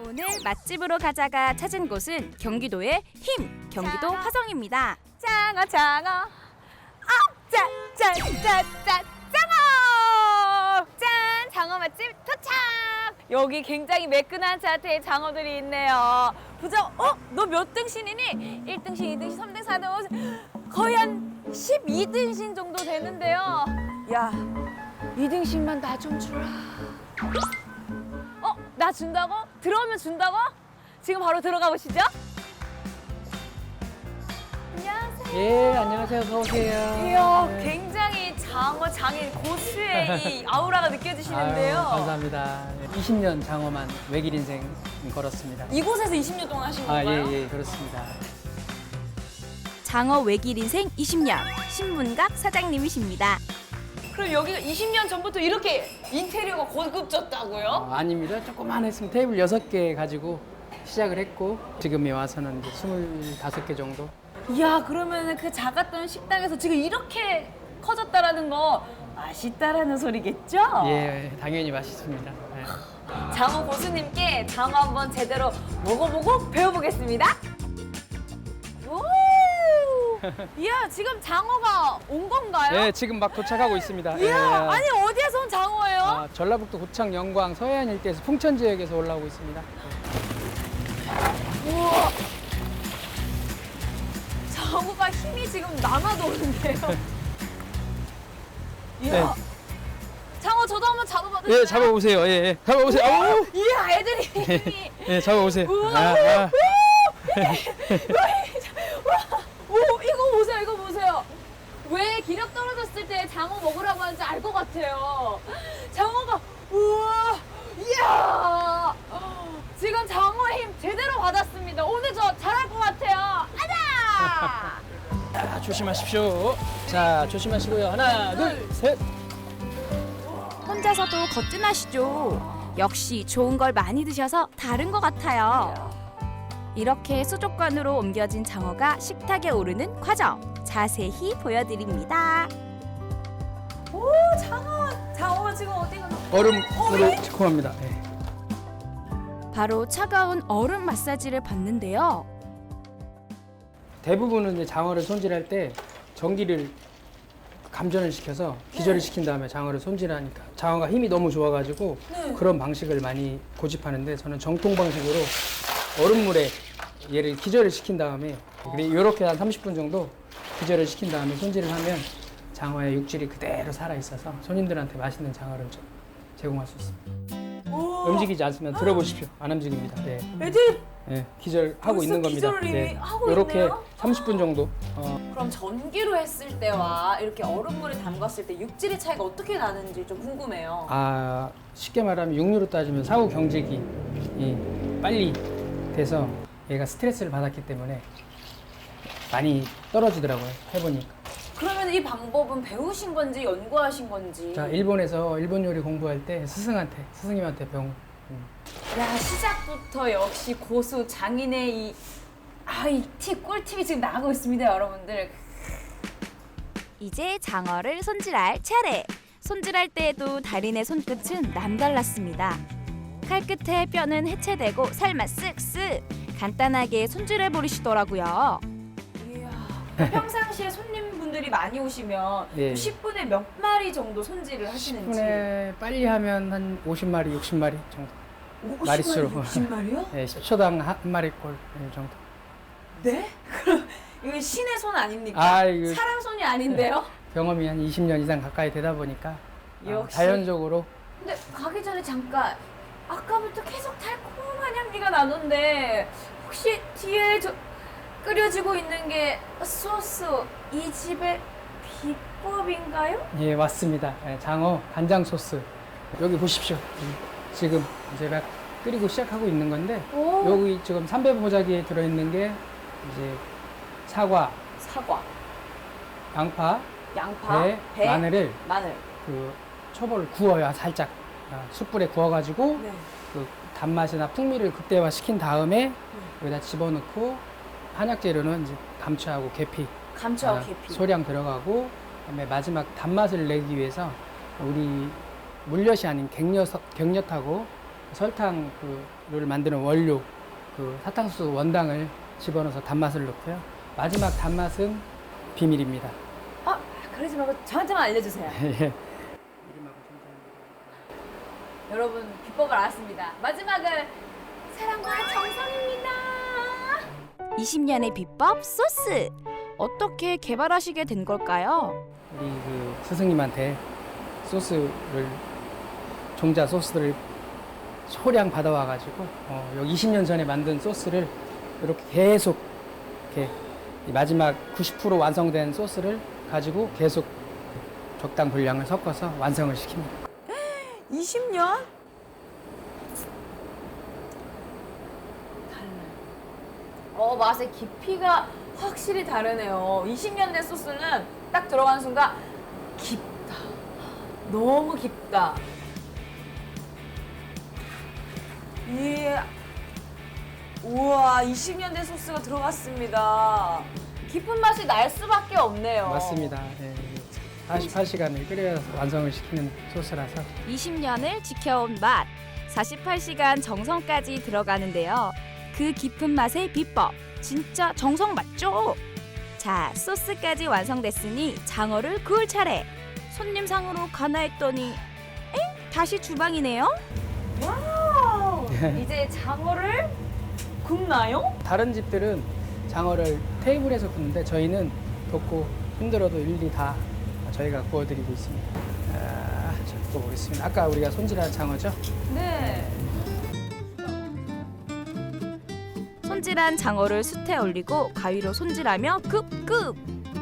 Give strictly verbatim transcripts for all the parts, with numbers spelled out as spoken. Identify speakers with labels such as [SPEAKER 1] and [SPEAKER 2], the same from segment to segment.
[SPEAKER 1] 오늘 맛집으로 가자가 찾은 곳은 경기도의 힘, 경기도
[SPEAKER 2] 장어.
[SPEAKER 1] 화성입니다.
[SPEAKER 2] 장어 장어 아짠짠짠짠 장어 짠 장어 맛집 도착. 여기 굉장히 매끈한 자태의 장어들이 있네요. 부장 어? 너 몇 등신이니? 일 등신, 이 등신, 삼 등신, 사 등신 거의 한 십이 등신 정도 되는데요. 야, 이 등신만 나 좀 주라. 어? 나 준다고? 들어오면 준다고? 지금 바로 들어가 보시죠. 안녕하세요.
[SPEAKER 3] 예, 안녕하세요. 어서 오세요.
[SPEAKER 2] 이야,
[SPEAKER 3] 네.
[SPEAKER 2] 굉장히 장어 장인 고수의 이 아우라가 느껴지시는데요.
[SPEAKER 3] 아유, 감사합니다. 이십 년 장어만 외길 인생 걸었습니다.
[SPEAKER 2] 이곳에서 이십 년 동안 하신
[SPEAKER 3] 아,
[SPEAKER 2] 건가요?
[SPEAKER 3] 예, 예, 그렇습니다.
[SPEAKER 1] 장어 외길 인생 이십 년, 신문각 사장님이십니다.
[SPEAKER 2] 그럼 여기가 이십 년 전부터 이렇게 인테리어가 고급졌다고요?
[SPEAKER 3] 어, 아닙니다. 조금만 했으면 테이블 여섯 개 가지고 시작을 했고 지금에 와서는 이제 스물다섯 개 정도.
[SPEAKER 2] 이야, 그러면 그 작았던 식당에서 지금 이렇게 커졌다라는 거 맛있다라는 소리겠죠?
[SPEAKER 3] 예, 당연히 맛있습니다. 네.
[SPEAKER 2] 장어 고수님께 장어 한번 제대로 먹어보고 배워보겠습니다. 오! 이야, 지금 장어가 온 건가요?
[SPEAKER 3] 예, 지금 막 도착하고 있습니다.
[SPEAKER 2] 이야,
[SPEAKER 3] 예.
[SPEAKER 2] 아니 어디에서 온 장어예요?
[SPEAKER 3] 아, 전라북도 고창 영광 서해안 일대에서 풍천 지역에서 올라오고 있습니다.
[SPEAKER 2] 우와. 장어가 힘이 지금 남아도 오는데요. 이야.
[SPEAKER 3] 네.
[SPEAKER 2] 장어 저도 한번 잡아봐도 돼요?
[SPEAKER 3] 예, 잡아보세요. 예, 예. 잡아보세요. 아우!
[SPEAKER 2] 이야, 애들이 힘이.
[SPEAKER 3] 예, 잡아보세요.
[SPEAKER 2] 우와,
[SPEAKER 3] 아, 아.
[SPEAKER 2] 오, 이거 보세요, 이거 보세요. 왜 기력 떨어졌을 때 장어 먹으라고 하는지 알 것 같아요. 장어가, 우와, 이야. 지금 장어 힘 제대로 받았습니다. 오늘 저 잘할 것 같아요. 아자!
[SPEAKER 3] 자, 조심하십시오. 자, 조심하시고요. 하나, 둘, 셋.
[SPEAKER 1] 혼자서도 거뜬하시죠? 역시 좋은 걸 많이 드셔서 다른 것 같아요. 이렇게 수족관으로 옮겨진 장어가 식탁에 오르는 과정 자세히 보여드립니다.
[SPEAKER 2] 오, 장어, 장어가 지금 어디가?
[SPEAKER 3] 얼음으로 시큼합니다. 네.
[SPEAKER 1] 바로 차가운 얼음 마사지를 받는데요.
[SPEAKER 3] 대부분은 이제 장어를 손질할 때 전기를 감전을 시켜서 기절을 시킨 다음에 장어를 손질하니까 장어가 힘이 너무 좋아가지고
[SPEAKER 2] 네.
[SPEAKER 3] 그런 방식을 많이 고집하는데 저는 정통 방식으로 얼음물에 얘를 기절을 시킨 다음에 이렇게 한 삼십 분 정도 기절을 시킨 다음에 손질을 하면 장어의 육질이 그대로 살아 있어서 손님들한테 맛있는 장어를 좀 제공할 수 있습니다.
[SPEAKER 2] 오,
[SPEAKER 3] 움직이지 않으면 들어보십시오. 안 움직입니다. 네.
[SPEAKER 2] 애들
[SPEAKER 3] 네, 기절하고
[SPEAKER 2] 벌써
[SPEAKER 3] 있는 겁니다.
[SPEAKER 2] 기절을 이미 하고
[SPEAKER 3] 이렇게
[SPEAKER 2] 있네요?
[SPEAKER 3] 삼십 분 정도. 어,
[SPEAKER 2] 그럼 전기로 했을 때와 이렇게 얼음물에 담갔을 때 육질의 차이가 어떻게 나는지 좀 궁금해요.
[SPEAKER 3] 아, 쉽게 말하면 육류로 따지면 사후 경직이 이 빨리 돼서 얘가 스트레스를 받았기 때문에 많이 떨어지더라고요. 해보니까.
[SPEAKER 2] 그러면 이 방법은 배우신 건지 연구하신 건지?
[SPEAKER 3] 자, 일본에서 일본 요리 공부할 때 스승한테, 스승님한테 배운. 음.
[SPEAKER 2] 야, 시작부터 역시 고수 장인의 이 아, 이 팁, 꿀팁이 지금 나가고 있습니다, 여러분들.
[SPEAKER 1] 이제 장어를 손질할 차례. 손질할 때에도 달인의 손끝은 남달랐습니다. 칼 끝에 뼈는 해체되고 살만 쓱쓱 간단하게 손질해 버리시더라고요.
[SPEAKER 2] 이야. 그 평상시에 손님분들이 많이 오시면
[SPEAKER 3] 예.
[SPEAKER 2] 십 분에 몇 마리 정도 손질을 하시는지?
[SPEAKER 3] 십 분에 빨리 하면 한 오십 마리, 육십 마리 정도.
[SPEAKER 2] 오십
[SPEAKER 3] 마리수로.
[SPEAKER 2] 마리, 육십 마리요?
[SPEAKER 3] 네, 십 초당 한 마리꼴 정도.
[SPEAKER 2] 네? 그럼 이거 신의 손 아닙니까?
[SPEAKER 3] 아, 이거-
[SPEAKER 2] 사람 손이 아닌데요?
[SPEAKER 3] 경험이 한 이십 년 이상 가까이 되다 보니까 아,
[SPEAKER 2] 역시.
[SPEAKER 3] 자연적으로
[SPEAKER 2] 근데 가기 전에 잠깐 아까부터 계속 달콤한 향기가 나는데 혹시 뒤에 저 끓여지고 있는 게 소스 이 집의 비법인가요?
[SPEAKER 3] 예, 맞습니다. 예, 장어 간장 소스. 여기 보십시오. 음, 지금 제가 끓이고 시작하고 있는 건데
[SPEAKER 2] 오.
[SPEAKER 3] 여기 지금 삼배 보자기에 들어있는 게 이제 사과,
[SPEAKER 2] 사과,
[SPEAKER 3] 양파,
[SPEAKER 2] 양파,
[SPEAKER 3] 배,
[SPEAKER 2] 배,
[SPEAKER 3] 마늘을
[SPEAKER 2] 마늘.
[SPEAKER 3] 그 초벌을 구워요. 살짝 아, 숯불에 구워가지고
[SPEAKER 2] 네.
[SPEAKER 3] 그 단맛이나 풍미를 극대화시킨 다음에 여기다 집어넣고 한약 재료는 이제 감초하고 계피,
[SPEAKER 2] 감초와
[SPEAKER 3] 아,
[SPEAKER 2] 계피.
[SPEAKER 3] 소량 들어가고 그다음에 마지막 단맛을 내기 위해서 우리 물엿이 아닌 갱엿, 갱엿하고 설탕 그를 만드는 원료 그 사탕수수 원당을 집어넣어서 단맛을 넣고요. 마지막 단맛은 비밀입니다.
[SPEAKER 2] 아, 그러지 말고 저한테만 알려주세요.
[SPEAKER 3] 예.
[SPEAKER 2] 여러분 비법을 알았습니다. 마지막은 사랑과 정성입니다.
[SPEAKER 1] 이십 년의 비법 소스. 어떻게 개발하시게 된 걸까요?
[SPEAKER 3] 우리 그 스승님한테 소스를 종자 소스를 소량 받아와가지고 어, 여기 이십 년 전에 만든 소스를 이렇게 계속 이렇게 이 마지막 구십 퍼센트 완성된 소스를 가지고 계속 적당 분량을 섞어서 완성을 시킵니다.
[SPEAKER 2] 이십 년? 달라요. 어, 맛의 깊이가 확실히 다르네요. 이십 년 된 소스는 딱 들어가는 순간 깊다. 너무 깊다. 예. 우와, 이십 년 된 소스가 들어갔습니다. 깊은 맛이 날 수밖에 없네요.
[SPEAKER 3] 맞습니다. 예, 사십팔 시간을 끓여서 완성을 시키는 소스라서
[SPEAKER 1] 이십 년을 지켜온 맛. 사십팔 시간 정성까지 들어가는데요. 그 깊은 맛의 비법. 진짜 정성 맞죠? 자, 소스까지 완성됐으니 장어를 구울 차례. 손님 상으로 가나 했더니 엥? 다시 주방이네요.
[SPEAKER 2] 와우! 이제 장어를 굽나요?
[SPEAKER 3] 다른 집들은 장어를 테이블에서 굽는데 저희는 덥고 힘들어도 일일이 다 저희가 구워드리고 있습니다. 아, 자, 구워보겠습니다. 아까 우리가 손질한 장어죠?
[SPEAKER 2] 네.
[SPEAKER 1] 손질한 장어를 숯에 올리고 가위로 손질하며 급급.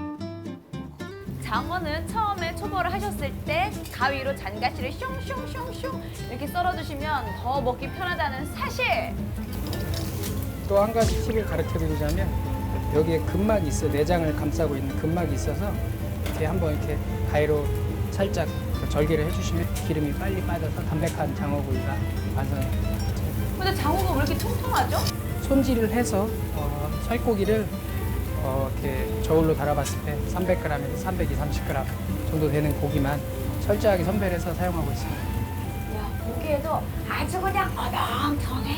[SPEAKER 2] 장어는 처음에 초벌을 하셨을 때 가위로 잔가시를 슝슝슝슝 이렇게 썰어주시면 더 먹기 편하다는 사실.
[SPEAKER 3] 또 한 가지 팁을 가르쳐 드리자면 여기에 근막이 있어요. 내장을 감싸고 있는 근막이 있어서 이렇게 한번 이렇게 가위로 살짝 절개를 해주시면 기름이 빨리 빠져서 담백한 장어구이가 완성됩니다.
[SPEAKER 2] 근데 장어가 왜 이렇게 통통하죠?
[SPEAKER 3] 손질을 해서 어, 살코기를 어, 이렇게 저울로 달아봤을 때 삼백 그램에서 삼백이십, 삼십 그램 정도 되는 고기만 철저하게 선별해서 사용하고 있습니다.
[SPEAKER 2] 야, 보기에도 아주 그냥 어렁텅해.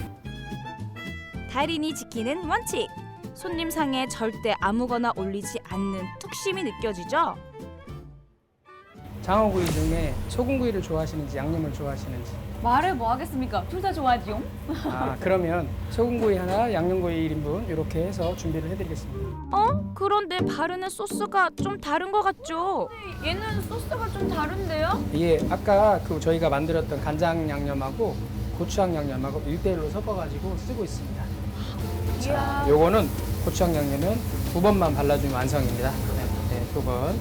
[SPEAKER 1] 달인이 지키는 원칙. 손님 상에 절대 아무거나 올리지 않는 툭심이 느껴지죠?
[SPEAKER 3] 장어구이 중에 소금구이를 좋아하시는지 양념을 좋아하시는지.
[SPEAKER 2] 말을 뭐 하겠습니까? 둘 다 좋아하지요?
[SPEAKER 3] 아, 그러면 소금구이 하나, 양념구이 일 인분 이렇게 해서 준비를 해드리겠습니다.
[SPEAKER 1] 어? 그런데 바르는 소스가 좀 다른 것 같죠?
[SPEAKER 2] 얘는 소스가 좀 다른데요?
[SPEAKER 3] 예, 아까 그 저희가 만들었던 간장 양념하고 고추장 양념하고 일 대 일로 섞어가지고 쓰고 있습니다. 자, 요거는 고추장 양념은 두 번만 발라주면 완성입니다. 네, 네, 두 번.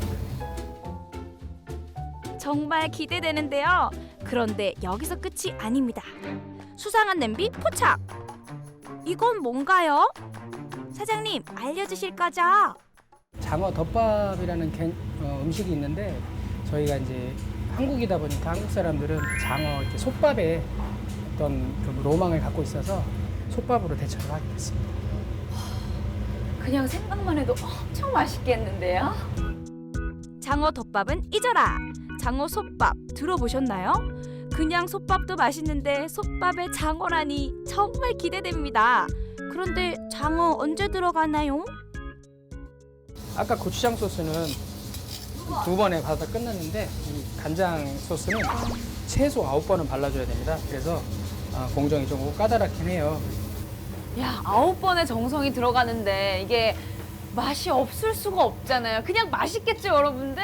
[SPEAKER 1] 정말 기대되는데요. 그런데 여기서 끝이 아닙니다. 수상한 냄비 포착. 이건 뭔가요? 사장님 알려주실 거죠?
[SPEAKER 3] 장어 덮밥이라는 개- 어, 음식이 있는데 저희가 이제 한국이다 보니까 한국 사람들은 장어 이렇게 솥밥에 어떤 그 로망을 갖고 있어서 솥밥으로 대처를 하게 됐습니다.
[SPEAKER 2] 그냥 생각만 해도 엄청 맛있겠는데요?
[SPEAKER 1] 장어 덮밥은 잊어라. 장어 솥밥 들어보셨나요? 그냥 솥밥도 맛있는데 솥밥에 장어라니 정말 기대됩니다. 그런데 장어 언제 들어가나요?
[SPEAKER 3] 아까 고추장 소스는 두 번에 받아 끝났는데 이 간장 소스는 최소 아홉 번은 발라줘야 됩니다. 그래서 어, 공정이 좀 까다롭긴 해요.
[SPEAKER 2] 야, 아홉 번의 정성이 들어가는데 이게 맛이 없을 수가 없잖아요. 그냥 맛있겠죠, 여러분들?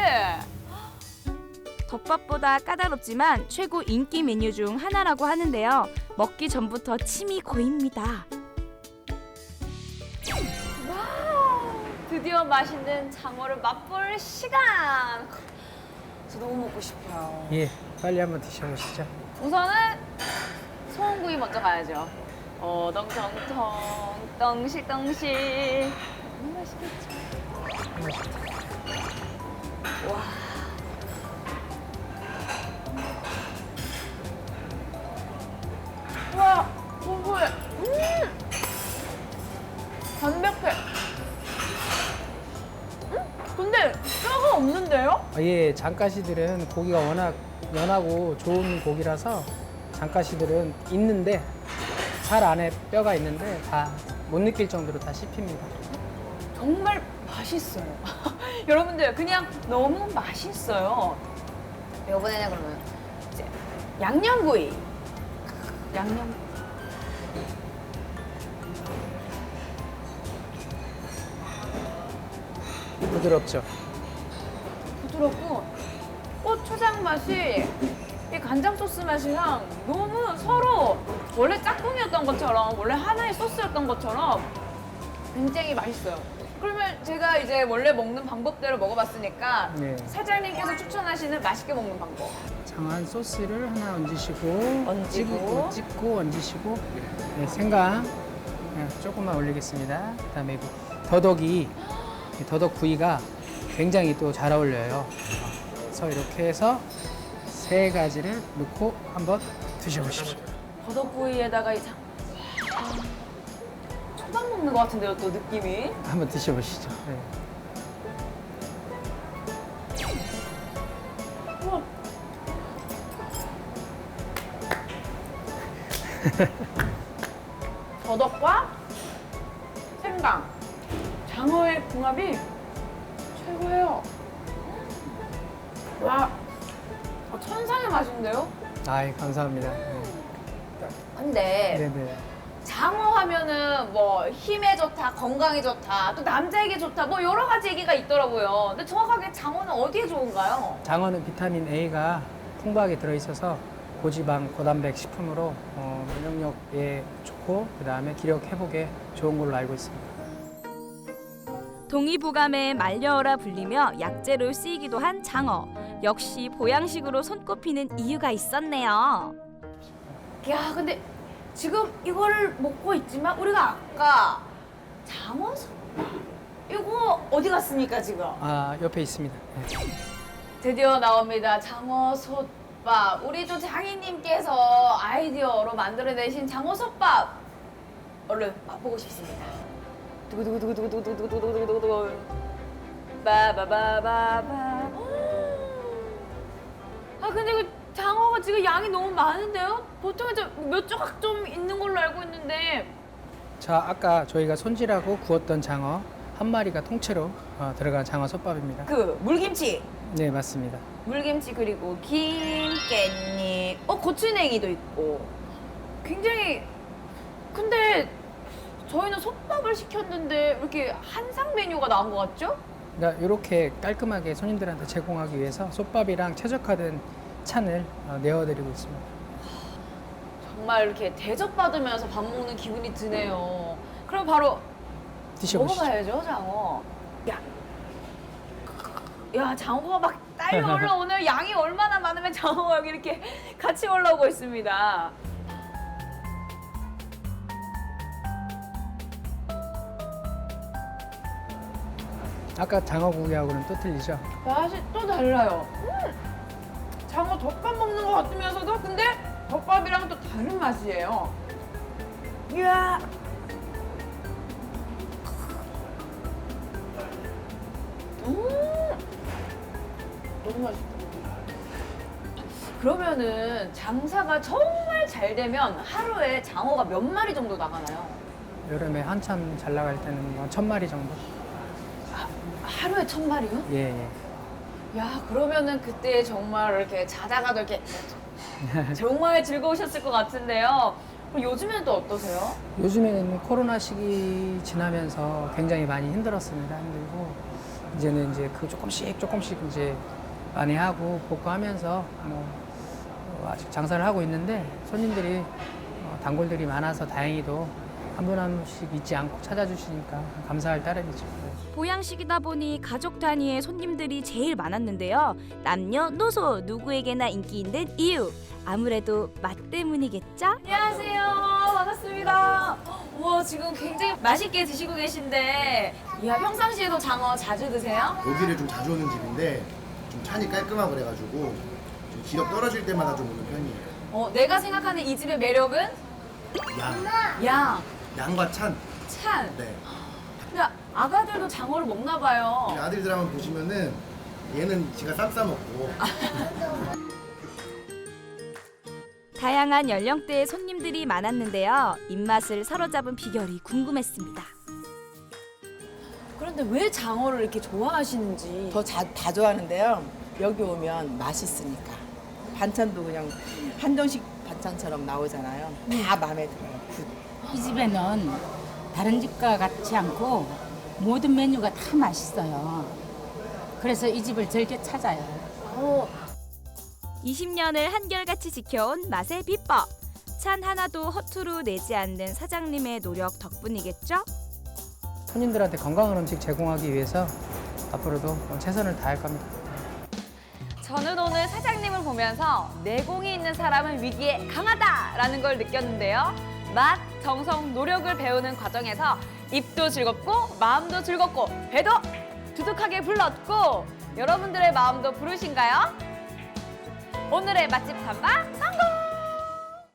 [SPEAKER 1] 덮밥보다 까다롭지만 최고 인기 메뉴 중 하나라고 하는데요. 먹기 전부터 침이 고입니다.
[SPEAKER 2] 와우, 드디어 맛있는 장어를 맛볼 시간. 저 너무 먹고 싶어요.
[SPEAKER 3] 예, 빨리 한번 드셔보시죠.
[SPEAKER 2] 우선은 소원구이 먼저 가야죠. 어, 덩덩덩, 덩실덩실. 너무 맛있겠죠? 와. 와, 고소해. 음! 담백해. 음? 근데 뼈가 없는데요?
[SPEAKER 3] 아, 예, 장가시들은 고기가 워낙 연하고 좋은 고기라서 장가시들은 있는데 살 안에 뼈가 있는데 다 못 느낄 정도로 다 씹힙니다.
[SPEAKER 2] 정말 맛있어요. 여러분들 그냥 너무 맛있어요. 이번에는 그러면 이제 양념구이. 양념.
[SPEAKER 3] 부드럽죠.
[SPEAKER 2] 부드럽고 고추장 맛이 이 간장 소스 맛이랑 너무 서로 원래 짝꿍이었던 것처럼 원래 하나의 소스였던 것처럼 굉장히 맛있어요. 그러면 제가 이제 원래 먹는 방법대로 먹어봤으니까
[SPEAKER 3] 네.
[SPEAKER 2] 사장님께서 추천하시는 맛있게 먹는 방법.
[SPEAKER 3] 장한 소스를 하나 얹으시고,
[SPEAKER 2] 얹고.
[SPEAKER 3] 찍고, 찍고 얹으시고, 네, 생강 네, 조금만 올리겠습니다. 그다음에 이거 더덕이 이 더덕 구이가 굉장히 또 잘 어울려요. 그래서 이렇게 해서 세 가지를 넣고 한번 드셔보십시오.
[SPEAKER 2] 버섯구이에다가 이 장... 초밥 먹는 것 같은데요, 또 느낌이.
[SPEAKER 3] 한번 드셔보시죠. 네.
[SPEAKER 2] 우와. 더덕과 생강, 장어의 궁합이 최고예요. 와, 어, 천상의 맛인데요?
[SPEAKER 3] 아이 감사합니다. 네.
[SPEAKER 2] 근데
[SPEAKER 3] 네네.
[SPEAKER 2] 장어 하면은 뭐 힘에 좋다, 건강에 좋다, 또 남자에게 좋다, 뭐 여러 가지 얘기가 있더라고요. 근데 정확하게 장어는 어디에 좋은가요?
[SPEAKER 3] 장어는 비타민 A가 풍부하게 들어있어서 고지방, 고단백 식품으로 어, 면역력에 좋고 그 다음에 기력 회복에 좋은 걸로 알고 있습니다.
[SPEAKER 1] 동의보감에 말려어라 불리며 약재로 쓰이기도 한 장어. 역시 보양식으로 손꼽히는 이유가 있었네요.
[SPEAKER 2] 야, 근데 지금 이거를 먹고 있지만 우리가 아까 장어 솥밥 이거 어디 갔습니까 지금?
[SPEAKER 3] 아 옆에 있습니다. 네.
[SPEAKER 2] 드디어 나옵니다. 장어 솥밥. 우리 또 장인님께서 아이디어로 만들어내신 장어 솥밥. 얼른 맛보고 싶습니다. 두구두구두구두구두구두구두구두구두구. 바바바바바. 아 근데 그 장어가 지금 양이 너무 많은데요? 보통 이제 몇 조각 좀 있는 걸로 알고 있는데.
[SPEAKER 3] 자 아까 저희가 손질하고 구웠던 장어 한 마리가 통째로 어, 들어간 장어 솥밥입니다.
[SPEAKER 2] 그 물김치.
[SPEAKER 3] 네 맞습니다.
[SPEAKER 2] 물김치 그리고 김, 깻잎, 어 고추냉이도 있고 굉장히 근데 저희는 솥밥을 시켰는데 이렇게 한상 메뉴가 나온 것 같죠?
[SPEAKER 3] 그러니까 이렇게 깔끔하게 손님들한테 제공하기 위해서 솥밥이랑 최적화된 찬을 어, 내어드리고 있습니다.
[SPEAKER 2] 정말 이렇게 대접받으면서 밥 먹는 기분이 드네요. 그럼 바로
[SPEAKER 3] 드셔보시죠.
[SPEAKER 2] 먹어봐야죠, 장어. 야, 야 장어가 막 딸려 올라오네요. 양이 얼마나 많으면 장어가 여기 이렇게 같이 올라오고 있습니다.
[SPEAKER 3] 아까 장어구이하고는 또 틀리죠?
[SPEAKER 2] 맛이 또 달라요. 음, 장어 덮밥 먹는 것 같으면서도 근데 덮밥이랑 또 다른 맛이에요. 이야. 음, 너무 맛있다. 그러면은 장사가 정말 잘 되면 하루에 장어가 몇 마리 정도 나가나요?
[SPEAKER 3] 여름에 한참 잘 나갈 때는 뭐 천 마리 정도?
[SPEAKER 2] 하루에 천 마리요?
[SPEAKER 3] 예, 예.
[SPEAKER 2] 야, 그러면은 그때 정말 이렇게 자다가도 이렇게 정말 즐거우셨을 것 같은데요. 그럼 요즘에는 또 어떠세요?
[SPEAKER 3] 요즘에는 코로나 시기 지나면서 굉장히 많이 힘들었습니다. 힘들고 이제는 이제 그 조금씩 조금씩 이제 많이 하고 복구하면서 뭐 어, 아직 장사를 하고 있는데 손님들이 어, 단골들이 많아서 다행히도 한 분 한 분씩 잊지 않고 찾아주시니까 감사할 따름이죠.
[SPEAKER 1] 보양식이다 보니 가족 단위의 손님들이 제일 많았는데요. 남녀노소 누구에게나 인기 있는 이유. 아무래도 맛 때문이겠죠?
[SPEAKER 2] 안녕하세요. 반갑습니다. 우와, 지금 굉장히 맛있게 드시고 계신데, 이야, 평상시에도 장어 자주 드세요?
[SPEAKER 4] 여기를 좀 자주 오는 집인데 좀 찬이 깔끔하고 그래가지고 좀 기력 떨어질 때마다 좀 오는 편이에요.
[SPEAKER 2] 어, 내가 생각하는 이 집의 매력은
[SPEAKER 4] 양,
[SPEAKER 2] 양,
[SPEAKER 4] 양과 찬.
[SPEAKER 2] 찬.
[SPEAKER 4] 네.
[SPEAKER 2] 근데 아가들도 장어를 먹나 봐요.
[SPEAKER 4] 우리 아들들 한번 보시면은 얘는 지가 쌈 싸 먹고
[SPEAKER 1] 다양한 연령대의 손님들이 많았는데요. 입맛을 사로잡은 비결이 궁금했습니다.
[SPEAKER 2] 그런데 왜 장어를 이렇게 좋아하시는지.
[SPEAKER 5] 더 다 좋아하는데요. 여기 오면 맛있으니까. 반찬도 그냥 한정식 반찬처럼 나오잖아요. 다 마음에 들어요. 굿.
[SPEAKER 6] 이 집에는 다른 집과 같지 않고 모든 메뉴가 다 맛있어요. 그래서 이 집을 즐겨 찾아요.
[SPEAKER 2] 어,
[SPEAKER 1] 이십 년을 한결같이 지켜온 맛의 비법. 찬 하나도 허투루 내지 않는 사장님의 노력 덕분이겠죠?
[SPEAKER 3] 손님들한테 건강한 음식 제공하기 위해서 앞으로도 최선을 다할 겁니다.
[SPEAKER 2] 저는 오늘 사장님을 보면서 내공이 있는 사람은 위기에 강하다라는 걸 느꼈는데요. 맛, 정성, 노력을 배우는 과정에서 입도 즐겁고 마음도 즐겁고 배도 두둑하게 불렀고 여러분들의 마음도 부르신가요? 오늘의 맛집 탐방 성공!